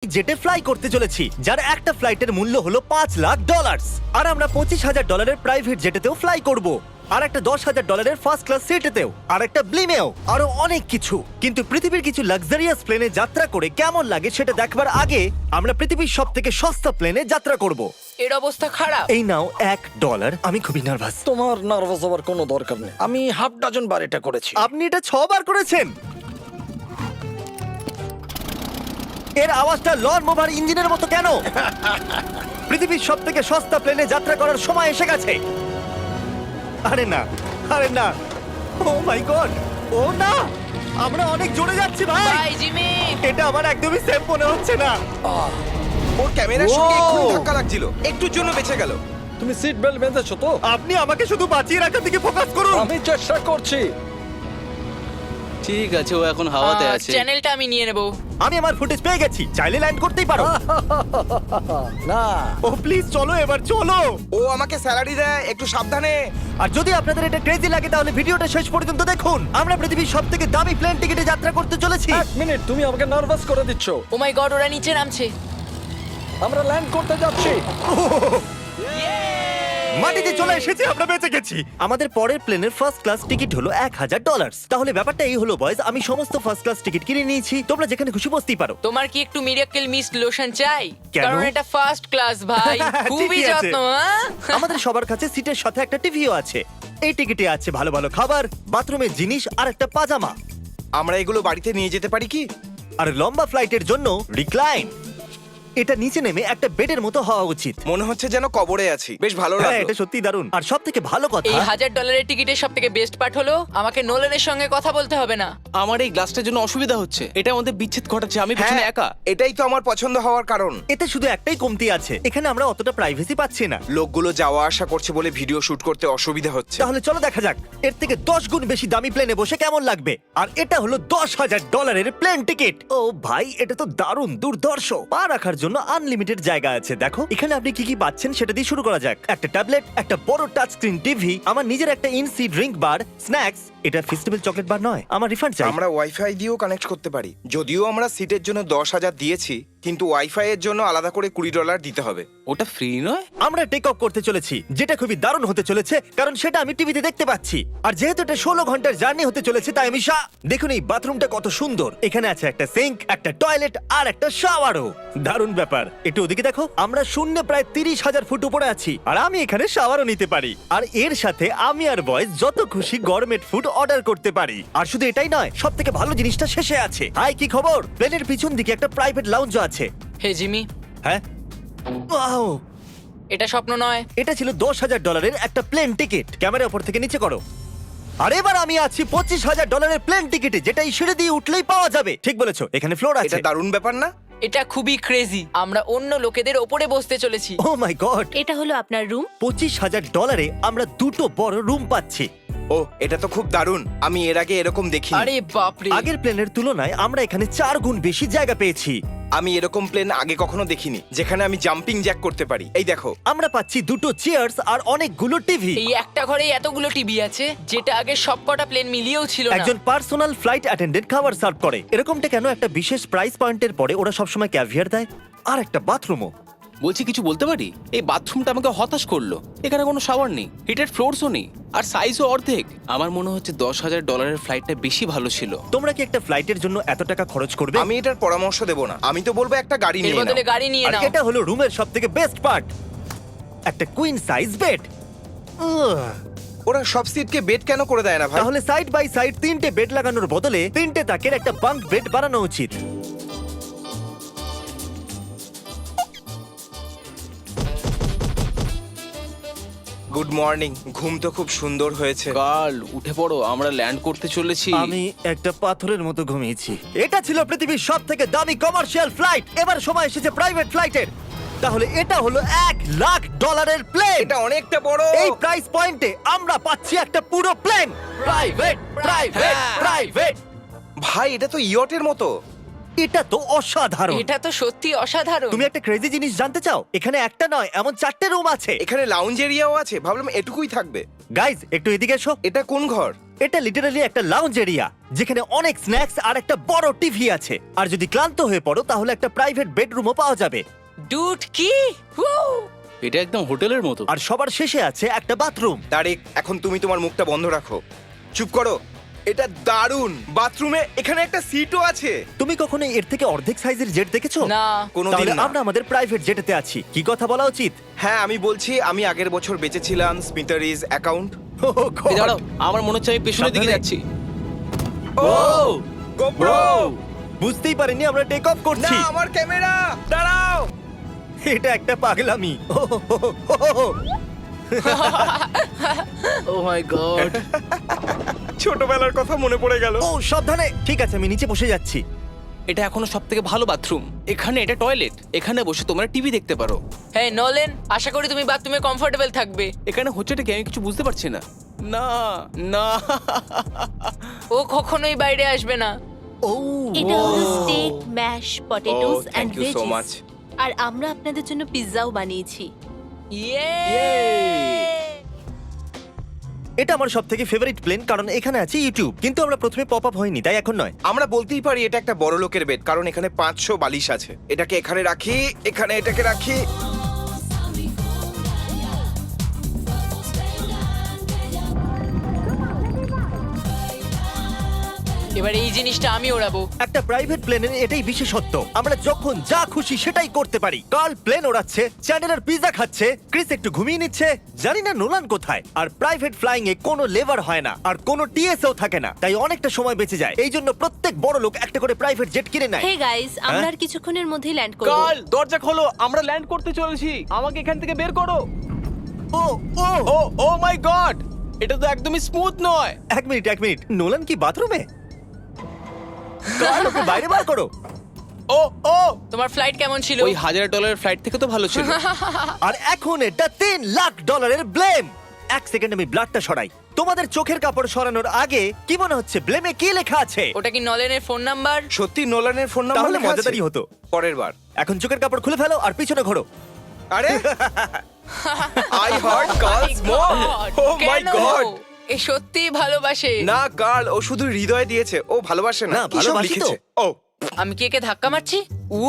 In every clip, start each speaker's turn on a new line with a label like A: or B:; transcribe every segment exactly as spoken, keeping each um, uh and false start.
A: জেটে fly করতে চলেছি, যার একটা ফ্লাইটের মূল্য হলো পাঁচ লাখ ডলার। আর আমরা পঁচিশ হাজার ডলারের প্রাইভেট জেটেতেও ফ্লাই করব, আর একটা দশ হাজার ডলারের ফার্স্ট ক্লাস সিটেতেও, আর একটা ব্লিমেও, আরো অনেক কিছু। কিন্তু পৃথিবীর কিছু লাক্সারিয়াস প্লেনে যাত্রা করে কেমন লাগে সেটা দেখবার আগে আমরা পৃথিবীর সব থেকে সস্তা প্লেনে যাত্রা করব।
B: এর অবস্থা খারাপ।
A: এই নাও এক ডলার। আমি খুবই নার্ভাস।
C: তোমার নার্ভাস হওয়ার কোনো দরকার নেই, আমি হাফ ডজন বার এটা করেছি।
A: আপনি এটা ছবার করেছেন। এর আওয়াজটা লন মোভার ইঞ্জিনের মতো কেন? পৃথিবীর সব থেকে সস্তা প্লেনে যাত্রা করার সময় এসে গেছে। আরে না, আরে না, ও মাই গড, ও না, আমরা অনেক জোরে যাচ্ছি ভাই।
B: Bye Jimmy.
A: এটা আমার একদমই সেফ মনে হচ্ছে না।
D: ওর ক্যামেরার সঙ্গে
A: Wow!
D: একটু ধাক্কা লাগছিল, একটুর জন্য বেঁচে গেল।
C: তুমি সিট বেল্ট বেঁধেছো তো?
A: আপনি আমাকে শুধু বাঁচিয়ে রাখার দিকে ফোকাস করুন।
C: আমি চেষ্টা করছি।
E: ঠিক আছে, ও এখন হাওয়াতে
B: আহ,
E: আছে।
B: চ্যানেলটা আমি নিয়ে নেব।
A: আমি আমার ফুটেজ পেয়ে গেছি, চাইলে ল্যান্ড করতেই পারো।
C: না,
A: ও প্লিজ চলো, এবার চলো।
D: ও আমাকে স্যালারি দেয়, একটু সাবধানে।
A: আর যদি আপনাদের এটা ক্রেজি লাগে তাহলে ভিডিওটা শেষ পর্যন্ত দেখুন। আমরা পৃথিবীর সব থেকে দামি প্লেন টিকিটে যাত্রা করতে চলেছি।
C: এক মিনিট, তুমি আমাকে নার্ভাস করে দিচ্ছ।
B: ও মাই গড, ওরা নিচে নামছে।
C: আমরা ল্যান্ড করতে যাচ্ছি।
A: মাটিতে চলে এসেছি, আমরা বেঁচে গেছি। আমাদের পরের প্লেনের ফার্স্ট ক্লাস টিকিট হলো এক হাজার ডলার। তাহলে ব্যাপারটা এই হলো বয়স, আমি সমস্ত ফার্স্ট ক্লাস টিকিট কিনে নিয়েছি, তোমরা যেখানে খুশি বসতেই পারো।
B: তোমার কি একটু মিরাকেল মিস্ট লোশন চাই?
A: কেন?
B: কারণ এটা ফার্স্ট ক্লাস ভাই, খুবই
A: ঠিকই আছে।
B: যত্ন। হ্যাঁ?
A: আমাদের সবার কাছে সিটের সাথে একটা টিভিও আছে। এই টিকিটে আছে ভালো ভালো খাবার, বাথরুমের জিনিস আর একটা পাজামা।
D: আমরা এগুলো বাড়িতে নিয়ে যেতে পারি কি?
A: আর লম্বা ফ্লাইটের জন্য রিক্লাইন। এটা নিচে নেমে একটা বেডের মতো হওয়া উচিত।
D: মনে হচ্ছে যেন কবরে আছি, বেশ ভালো
A: হ্যাঁ,
D: লাগলো।
A: এটা সত্যি দারুণ। আর সব থেকে ভালো কথা,
B: এই হাজার ডলারের টিকিটের সব থেকে বেস্ট পার্ট হলো আমাকে নোলেনের সঙ্গে কথা বলতে হবে না।
E: আমার এই গ্লাসটার জন্য অসুবিধা হচ্ছে, এটা আমাদের বিচ্ছেদ ঘটাচ্ছে। আমি পিছনে
D: হ্যাঁ,
E: একা।
D: এটাই তো আমার পছন্দ হওয়ার কারণ।
A: এতে শুধু একটাই কমতি আছে, এখানে আমরা অতটা প্রাইভেসি পাচ্ছি না।
D: লোকগুলো যাওয়া আসা করছে বলে ভিডিও শুট করতে অসুবিধা হচ্ছে।
A: তাহলে চলো দেখা যাক এর থেকে দশ গুণ বেশি দামি প্লেনে বসে কেমন লাগবে। আর এটা হলো দশ হাজার ডলারের প্লেন টিকিট। ও ভাই, এটা তো দারুণ দুর্ধর্ষ। পা রাখার জন্য আনলিমিটেড জায়গা আছে। দেখো এখানে আপনি কি কি পাচ্ছেন সেটা দিয়ে শুরু করা যাক। একটা ট্যাবলেট, একটা বড় টাচ স্ক্রিন টিভি, আমার নিজের একটা ইনসি ড্রিঙ্ক বার, স্ন্যাক্স। এটা ফেস্টিভ্যাল চকলেট বার নয়, আমার রিফান্ড চাই।
D: আমরা ওয়াইফাই দিয়েও কানেক্ট করতে পারি। যদিও আমরা সিটের জন্য দশ হাজার দিয়েছি, কিন্তু ওয়াইফাই এর জন্য আলাদা করে কুড়ি ডলার দিতে হবে।
E: ওটা ফ্রি নয়?
A: আমরা টেক অফ করতে চলেছি, যেটা খুবই দারুণ হতে চলেছে, কারণ সেটা আমি টিভিতে দেখতে পাচ্ছি। আর যেহেতু এটা ষোলো ঘন্টার জার্নি হতে চলেছে, তাই আমি শা- দেখুন এই বাথরুমটা কত সুন্দর। এখানে আছে একটা সিঙ্ক, একটা টয়লেট আর একটা শাওয়ারও। দারুণ ব্যাপার। একটু ওদিকে দেখো, আমরা শূন্য প্রায় তিরিশ হাজার ফুট উপরে আছি, আর আমি এখানে শাওয়ারও নিতে পারি। আর এর সাথে আমি আর বয়েজ যত খুশি গরমেট ফুড অর্ডার করতে পারি। আর শুধু এটাই নয়, সব থেকে ভালো জিনিসটা শেষে আছে। হাই, কি খবর? প্লেনের পিছন দিকে একটা প্রাইভেট লাউঞ্জও আছে।
B: হে জিমি,
A: হ্যাঁ, ওয়াও,
B: এটা স্বপ্ন নয়।
A: এটা ছিল দশ হাজার ডলারের একটা প্লেন টিকিট। ক্যামেরা উপর থেকে নিচে করো। আর এবার আমি আছি পঁচিশ হাজার ডলারের প্লেন টিকিটে, যেটা এই সিঁড়ি দিয়ে উঠলেই পাওয়া যাবে। ঠিক বলেছো, এখানে ফ্লোর আছে।
D: এটা দারুণ ব্যাপার না?
B: এটা খুবই ক্রেজি। আমরা অন্য লোকেদের ওপরে বসতে চলেছি।
A: ও মাই গড,
F: এটা হলো আপনার রুম।
A: পঁচিশ হাজার ডলারে আমরা দুটো বড় রুম পাচ্ছি।
D: ও, এটা তো খুব দারুণ। আমি এর আগে এরকম দেখিনি।
B: আরে বাপরে।
A: আগের প্লেনের তুলনায় আমরা এখানে চার গুণ বেশি জায়গা পেয়েছি।
D: আমি এরকম প্লেন আগে কখনো দেখিনি যেখানে আমি জাম্পিং জ্যাক করতে পারি। এই দেখো,
A: আমরা পাচ্ছি দুটো চেয়ার্স আর অনেকগুলো টিভি।
B: এই একটা ঘরে এতগুলো টিভি আছে, যেটা আগে সবকটা প্লেন মিলিয়েও ছিল না।
A: একজন পার্সোনাল ফ্লাইট অ্যাটেন্ডেন্ট খাবার সার্ভ করে। এরকমটা কেন? একটা বিশেষ প্রাইস পয়েন্টের পরে ওরা সবসময় ক্যাভিয়ার দেয়। আর একটা বাথরুমও।
E: বলছি, কিছু বলতে পারি? এই বাথরুমটা আমাকে হতাশ করলো। এখানে কোনো শাওয়ার নেই, হিটেড ফ্লোরসও নেই, আর সাইজও অর্ধেক। আমার মনে হচ্ছে দশ হাজার ডলারের ফ্লাইটটা বেশি ভালো ছিল।
A: তোমরা কি একটা ফ্লাইটের জন্য এত টাকা খরচ করবে?
D: আমি এটার পরামর্শ দেব না। আমি তো বলবো একটা গাড়ি
B: এর
D: নিয়ে
B: বদলে
D: নাও।
B: গাড়ি নিয়ে
A: আর
B: নাও।
A: এটা হলো রুমের সবথেকে বেস্ট পার্ট, একটা কুইন সাইজ বেড।
D: ওরা সব সিটকে বেড কেন করে দেয় না ভাই?
A: তাহলে সাইড বাই সাইড তিনটে বেড লাগানোর বদলে তিনটে তাকের একটা বাঙ্ক বেড বানানো উচিত।
D: Good morning. ঘুম তো খুব সুন্দর হয়েছে।
E: কাল উঠে পড়ো, আমরা ল্যান্ড করতে চলেছি।
A: আমি একটা পাথরের মতো ঘুমিয়েছি। এটা ছিল পৃথিবীর সব থেকে দামি কমার্শিয়াল ফ্লাইট। এবার সময় এসেছে প্রাইভেট ফ্লাইটের। তাহলে এটা হলো এক লাখ ডলারের প্লেন।
D: এটা অনেকটা বড়।
A: এই প্রাইস পয়েন্টে আমরা পাচ্ছি একটা পুরো প্লেন। Private, private, private.
D: ভাই, এটা তো ইয়টের মতো।
A: এটা তো অসাধারণ।
B: এটা তো সত্যি অসাধারণ।
A: তুমি একটা ক্রেজি জিনিস জানতে চাও? এখানে একটা নয়, এমন চারটে রুম আছে।
D: এখানে লাউঞ্জ এরিয়াও আছে, ভাবলাম এটুকুই থাকবে।
A: গাইজ একটু এদিকে এসো।
D: এটা কোন ঘর?
A: এটা লিটারালি একটা লাউঞ্জ এরিয়া যেখানে অনেক স্ন্যাক্স আর একটা বড় টিভি আছে। আর যদি ক্লান্ত হয়ে পড়ো তাহলে একটা প্রাইভেট বেডরুমও পাওয়া যাবে।
B: ডুড কি Woo!
E: এটা একদম হোটেলের মতো।
A: আর সবার শেষে আছে একটা বাথরুম।
D: তারিক, এখন তুমি তোমার মুখটা বন্ধ রাখো। চুপ করো। এটা দারুণ। বাথরুমে এখানে একটা সিটও আছে।
A: তুমি কখনো এর থেকে অর্ধেক সাইজের জেট দেখেছো?
B: না।
D: কোনোদিন
A: তাহলে
D: না।
A: আমরা আমাদের প্রাইভেট জেটেতে আছি। কি কথা বলা উচিত?
D: হ্যাঁ, আমি বলছি আমি আগের বছর বেঁচেছিলাম স্মিটারিজ অ্যাকাউন্ট।
A: Oh God!
E: এই দাঁড়াও, আমার মনে হচ্ছে আমি পেছনের দিকে
A: সাবধানে।
E: যাচ্ছি।
D: ও গোপ্রো!
A: বুঝতেই পারিনি আমরা টেক অফ
D: না,
A: করছি।
D: আমার ক্যামেরা! দাঁড়াও!
A: এটা একটা পাগলামি।
E: Oh my God.
D: ছোটবেলার কথা মনে পড়ে গেল।
A: ও সাবধানে। ঠিক আছে, আমি নিচে বসে যাচ্ছি।
E: এটা এখনো সবথেকে ভালো বাথরুম। এখানে এটা টয়লেট। এখানে বসে তোমরা টিভি দেখতে পারো।
B: হ্যাঁ নলেন, আশা করি তুমি বাথরুমে কমফোর্টেবল থাকবে।
E: এখানে হচ্ছেটা কি আমি কিছু বুঝতে পারছি না। না না।
B: ও কখনোই বাইরে আসবে না।
A: ও
F: এটা হলো steak, mash, potatoes
D: Oh,
F: and
D: thank you so
F: veggies.
D: much.
F: আর আমরা আপনাদের জন্য পিৎজাও বানিয়েছি।
B: ইয়ে!
A: এটা আমার সব থেকে ফেভারিট প্লেন, কারণ এখানে আছে ইউটিউব। কিন্তু আমরা প্রথমে পপ আপ হয়নি, তাই এখন নয়।
D: আমরা বলতেই পারি এটা একটা বড় লোকের বেড, কারণ এখানে পাঁচশো বালিশ আছে। এটাকে এখানে রাখি, এখানে এটাকে রাখি।
B: এবার এই জিনিসটা আমি ওড়াবো।
A: একটা প্রাইভেট প্লেনের এটাই বিশেষত্ব, আমরা যখন যা খুশি সেটাই করতে পারি। কার্ল প্লেন ওড়াচ্ছে, চ্যান্ডেলার পিৎজা খাচ্ছে, ক্রিস একটু ঘুমিয়ে নিচ্ছে, জানি না নোলান কোথায়। আর প্রাইভেট ফ্লাইং এ কোনো লেবার হয় না, আর কোনো টিএসও থাকে না, তাই অনেকটা সময় বেঁচে যায়। এই জন্য প্রত্যেক বড় লোক একটা করে প্রাইভেট জেট কিনে নেয়।
F: হে গাইস, আমরা
A: হ্যাঁ?
F: আর কিছুক্ষণের মধ্যেই ল্যান্ড করব।
E: কাল দরজা খোলো, আমরা ল্যান্ড করতে চলেছি। আমাকে এখান থেকে বের করো।
A: ও ও
E: ও ও মাই গড, এটা তো একদমই স্মুথ নয়।
A: এক মিনিট এক মিনিট নোলান কি বাথরুমে? কার্ল, ওকে বাইরে বার করো।
E: ও ও
B: তোমার ফ্লাইট কেমন ছিল?
E: ওই হাজার ডলারের ফ্লাইট থেকে তো ভালো ছিল।
A: আর এখন এটা তিন লাখ ডলারের ব্লেম। এক সেকেন্ড আমি ব্লাডটা সরাই। তোমাদের চোখের কাপড় সরানোর আগে কি মনে হচ্ছে ব্লেমে কি লেখা আছে?
B: ওটা কি নলেনের ফোন নাম্বার?
D: সত্যি নোলানের ফোন নাম্বার
A: তাহলে
D: লেখা আছে?
A: মজাদারই হতো।
D: পরের বার।
A: এখন চোখের কাপড় খুলে ফেলো আর পিছনে ঘোরো।
D: আরে I hurt girls more. Oh my
B: কেন?
D: গড!
B: এ সত্যি ভালোবাসে।
D: না গার্ল, ও শুধু হৃদয় দিয়েছে, ও ভালোবাসে না।
A: না,
D: কি সব
A: ভালোবাসি তো।
D: লিখেছে? ও
B: আমি কি একে ধাক্কা মারছি? উ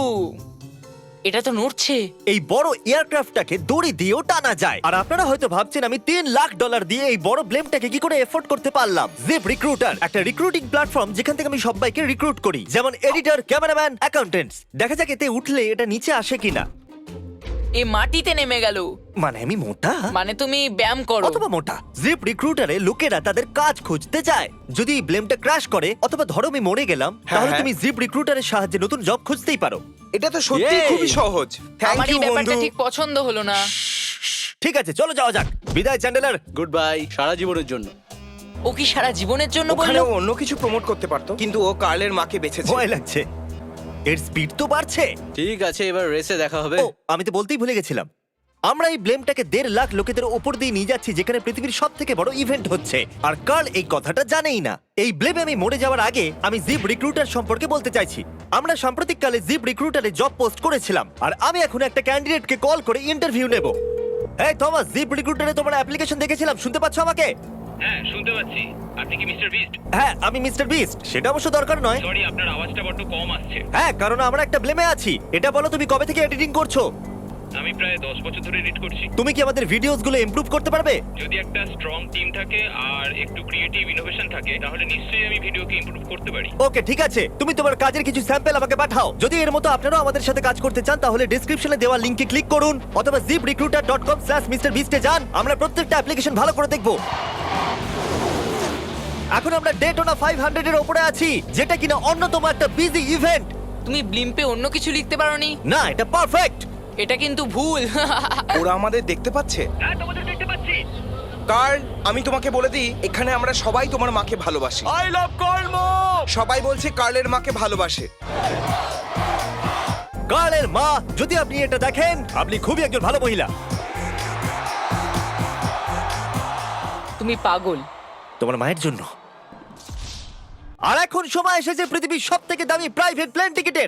B: এটা তো নড়ছে।
A: এই বড় এয়ারক্রাফটটাকে দড়ি দিয়েও টানা যায়। আর আপনারা হয়তো ভাবছেন আমি তিন লাখ ডলার দিয়ে এই বড় ব্লেমটাকে কি করে এফোর্ড করতে পারলাম। জিপ রিক্রুটার একটা রিক্রুটিং প্ল্যাটফর্ম যেখান থেকে আমি সবাইকে রিক্রুট করি, যেমন এডিটর, ক্যামেরাম্যান, অ্যাকাউন্টেন্টস। দেখা যাক এতে উঠলে এটা নিচে আসে কিনা।
B: এ মাটিতে নেমে গেল।
A: মানে আমি মোটা
B: মানে তুমি ব্যায়াম করো।
A: অথবা মোটা। জিপ রিক্রুটারে লোকেরা তাদের কাজ খুঁজতে যায়। যদি এই ব্লেমটা ক্র্যাশ করে অথবা ধরো আমি মরে গেলাম, তাহলে
D: হ্যাঁ।
A: তুমি জিপ রিক্রুটারের সাহায্যে নতুন জব খুঁজতেই পারো।
D: এটা তো সত্যি
A: Yay!
D: খুবই সহজ। থ্যাংক
B: আমার
D: ইউ
B: এই ব্যাপারটা
D: বন্ধু।
B: ঠিক পছন্দ হলো না।
A: ঠিক আছে, চলো যাওয়া যাক। বিদায় চ্যান্ডেলার।
E: গুড বাই, সারা জীবনের জন্য।
B: ও কি সারা জীবনের জন্য
D: ওখানে
B: বললো?
D: ও অন্য কিছু প্রমোট করতে পারতো, কিন্তু ও কার্লের মাকে বেঁচেছে।
A: ভয় লাগছে। এর স্পিড তো বাড়ছে।
E: ঠিক আছে, এবার রেসে দেখা হবে।
A: ও আমি তো বলতেই ভুলে গেছিলাম, আমরা এই ব্লেমটাকে দেড় লাখ লোকেদের ওপর দিয়ে নিয়ে যাচ্ছি, যেখানে পৃথিবীর সব থেকে বড় ইভেন্ট হচ্ছে। আর কার্ল এই কথাটা জানেই না। এই ব্লেমে আমি মরে যাওয়ার আগে আমি জিপ রিক্রুটার সম্পর্কে বলতে চাইছি। আমরা সাম্প্রতিককালে জিপ রিক্রুটারে জব পোস্ট করেছিলাম, আর আমি এখন একটা ক্যান্ডিডেটকে কল করে ইন্টারভিউ নেব। এই থমাস, জিপ রিক্রুটারে তোমার অ্যাপ্লিকেশন দেখেছিলাম, শুনতে পাচ্ছ আমাকে?
G: হ্যাঁ শুনতে পাচ্ছি। আপনি কি মিস্টার বিস্ট?
A: হ্যাঁ, আমি মিস্টার বিস্ট। সেটা অবশ্য দরকার নয়।
G: সরি, আপনার আওয়াজটা বড্ড কম আসছে।
A: হ্যাঁ, কারণ আমরা একটা ব্লেমে আছি। এটা বলো, তুমি কবে থেকে এডিটিং করছো?
G: আমি প্রায় দশ বছর ধরে এডিট করছি।
A: তুমি কি আমাদের ভিডিওসগুলো ইমপ্রুভ করতে পারবে?
G: যদি একটা স্ট্রং টিম থাকে আর একটু ক্রিয়েটিভ ইনোভেশন থাকে, তাহলে নিশ্চয়ই আমি ভিডিওকে ইমপ্রুভ করতে পারি।
A: ওকে, ঠিক আছে। তুমি তোমার কাজের কিছু স্যাম্পল আমাকে পাঠাও। যদি এর মতো আপনারাও আমাদের সাথে কাজ করতে চান, তাহলে ডেসক্রিপশনে দেওয়া লিংকে ক্লিক করুন অথবা ZipRecruiter dot com slash mister বিস্টে যান। আমরা প্রত্যেকটা অ্যাপ্লিকেশন ভালো করে দেখব। এখন আমরা ডেটোনা ফাইভ হান্ড্রেড এর উপরে আছি, যেটা কিনা অন্যতম একটা বিজি ইভেন্ট।
B: তুমি ব্লিম্পে অন্য কিছু লিখতে পারোনি?
A: না, এটা পারফেক্ট।
B: এটা কিন্তু ভুল।
D: ওরা আমাদের দেখতে পাচ্ছে।
G: হ্যাঁ, তোমাদের দেখতে পাচ্ছি।
D: কার্ল, আমি তোমাকে বলে দিই, এখানে আমরা সবাই তোমার মাকে ভালোবাসি।
E: আই লাভ কর্ম।
D: সবাই বলছে কার্লের মাকে ভালোবাসে।
A: কার্লের মা, যদি আপনি এটা দেখেন, আপনি খুবই একজন ভালো মহিলা।
B: তুমি পাগল।
A: তোমার মায়ের জন্য আর এখন সময় এসেছে পৃথিবীর সব থেকে দামি প্রাইভেট প্লেন টিকিটের।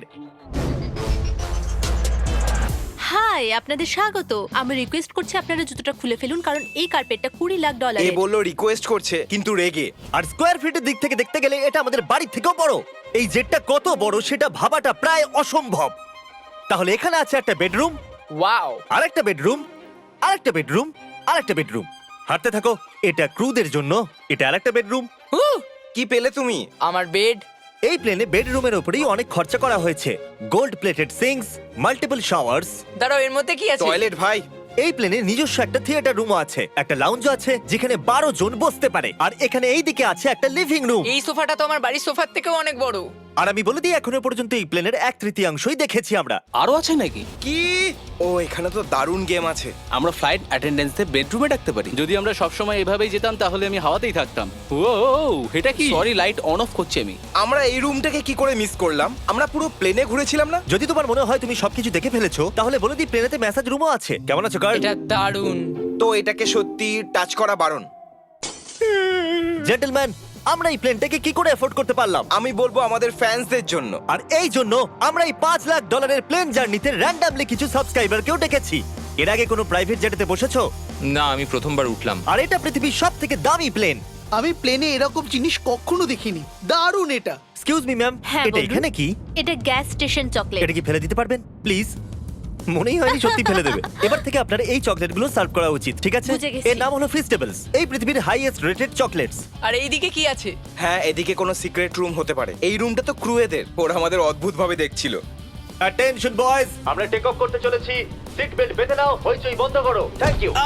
F: হাই, আপনাদের স্বাগত। আমি রিকোয়েস্ট করছি আপনারা জুতোটা খুলে ফেলুন, কারণ এই কার্পেটটা কুড়ি লাখ
D: এ
F: ডলারের।
D: বললো রিকোয়েস্ট করছে কিন্তু রেগে।
A: আর স্কোয়ার ফিটের দিক থেকে দেখতে গেলে এটা আমাদের বাড়ির থেকেও বড়। এই জেটটা কত বড় সেটা ভাবাটা প্রায় অসম্ভব। তাহলে এখানে আছে একটা বেডরুম,
B: ওয়াও,
A: আরেকটা বেডরুম, আরেকটা বেডরুম, আরেকটা বেডরুম। হাঁটতে থাকো। এটা ক্রুদের জন্য, এটা আরেকটা বেডরুম।
D: কি পেলে তুমি?
B: আমার বেড।
A: এই প্লেনে বেডরুমের উপরেই অনেক খরচা করা হয়েছে। Gold plated sinks, multiple showers.
B: দাঁড়াও, এর মধ্যে কি আছে?
D: টয়লেট ভাই।
A: এই প্লেনে নিজস্ব একটা থিয়েটার রুমও আছে, একটা লাউঞ্জ আছে যেখানে বারো জন বসতে পারে, আর এখানে এই দিকে আছে একটা লিভিং রুম।
B: এই সোফাটা তো আমার বাড়ির সোফার থেকেও অনেক বড়।
A: আর আমি বলে দিই এখনো পর্যন্ত এই প্লেনের এক তৃতীয়াংশই দেখেছি আমরা।
E: আরো আছে নাকি?
D: কি? ও এখানে তো দারুণ গেম আছে।
E: আমরা ফ্লাইট অ্যাটেন্ডেন্সদের বেডরুমে ডাকতে পারি। যদি আমরা সবসময় এভাবেই যেতাম তাহলে আমি হাওয়াতেই থাকতাম। ও এটা কি? সরি, লাইট অন অফ করছি আমি।
D: আমরা এই রুমটাকে কি করে মিস করলাম? আমরা পুরো প্লেনে ঘুরেছিলাম না?
A: যদি তোমার মনে হয় তুমি সবকিছু দেখে ফেলেছো তাহলে বলে দিই প্লেনেতে ম্যাসাজ রুমও আছে। কেমন আছো কার্ল?
B: এটা দারুণ।
D: তো এটাকে সত্যি টাচ করা বারণ।
A: জেন্টলম্যান, আমরা এই প্লেনটাকে কি করে এফোর্ড করতে পারলাম?
D: আমি বলবো আমাদের ফ্যান্সদের জন্য।
A: আর এই জন্য আমরা এই পাঁচ লাখ ডলারের প্লেন জার্নিতে র্যান্ডামলি কিছু সাবস্ক্রাইবারকেও ডেকেছি। এর আগে কোনো প্রাইভেট জেটেতে বসেছো?
H: না, আমি প্রথমবার উঠলাম।
A: আর এটা পৃথিবীর সব থেকে দামি প্লেন।
I: আমি প্লেনে এরকম জিনিস কখনো দেখিনি। দারুণ এটা।
A: এক্সকিউজ মি ম্যাম,
F: হ্যাঁ,
A: এটা
F: বলুন।
A: এখানে কি?
F: এটা গ্যাস স্টেশন চকলেট।
A: এটা কি ফেলে দিতে পারবেন প্লিজ? মনেই হয়নি সত্যি ফেলে দেবে। এবার থেকে আপনার এই চকলেটগুলো সার্ভ করা উচিত, ঠিক আছে?
F: বুঝে গেছি।
A: এর নাম হলো ফিস্টেবলস, এই পৃথিবীর হাইয়েস্ট রেটেড চকলেটস।
B: আর এইদিকে কি আছে?
D: হ্যাঁ, এদিকে কোনো সিক্রেট রুম হতে পারে। এই রুমটা তো ক্রুয়েদের। ওরা আমাদের অদ্ভুত ভাবে দেখছিল।
A: অ্যাটেনশন বয়েজ, আমরা টেক অফ করতে চলেছি। সিট বেল্ট বেঁধে নাও, হইচই বন্ধ করো। Thank you.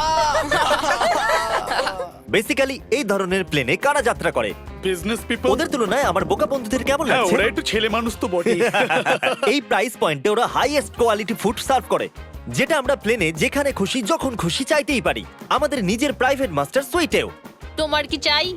A: বেসিক্যালি এই ধরনের প্লেনে কারা যাত্রা করে?
J: Business people.
A: ওদের তুলনায় আমার বোকা বন্ধুদের কেমন
J: হ্যাঁ,
A: লাগছে?
J: ওরা একটু ছেলে মানুষ তো বটে।
A: এই প্রাইস পয়েন্টে ওরা হাইয়েস্ট কোয়ালিটি ফুড সার্ভ করে, যেটা আমরা প্লেনে যেখানে খুশি যখন খুশি চাইতেই পারি। আমাদের নিজের প্রাইভেট মাস্টার সুইটেও।
F: তোমার কি চাই?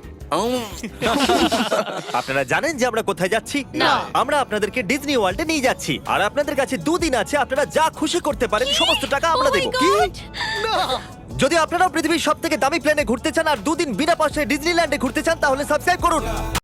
A: আপনারা জানেন যে আমরা কোথায় যাচ্ছি?
F: না।
A: আমরা আপনাদেরকে ডিজনি ওয়ার্ল্ডে নিয়ে যাচ্ছি, আর আপনাদের কাছে দুদিন আছে। আপনারা যা খুশি করতে পারেন, সমস্ত টাকা আমরা
F: Oh my
A: দেবো।
F: God!
A: যদি আপনারাও পৃথিবীর সব থেকে দামি প্লেনে ঘুরতে চান আর দুদিন বিনা পয়সায় ডিজনিল্যান্ডে ঘুরতে চান তাহলে সাবস্ক্রাইব করুন।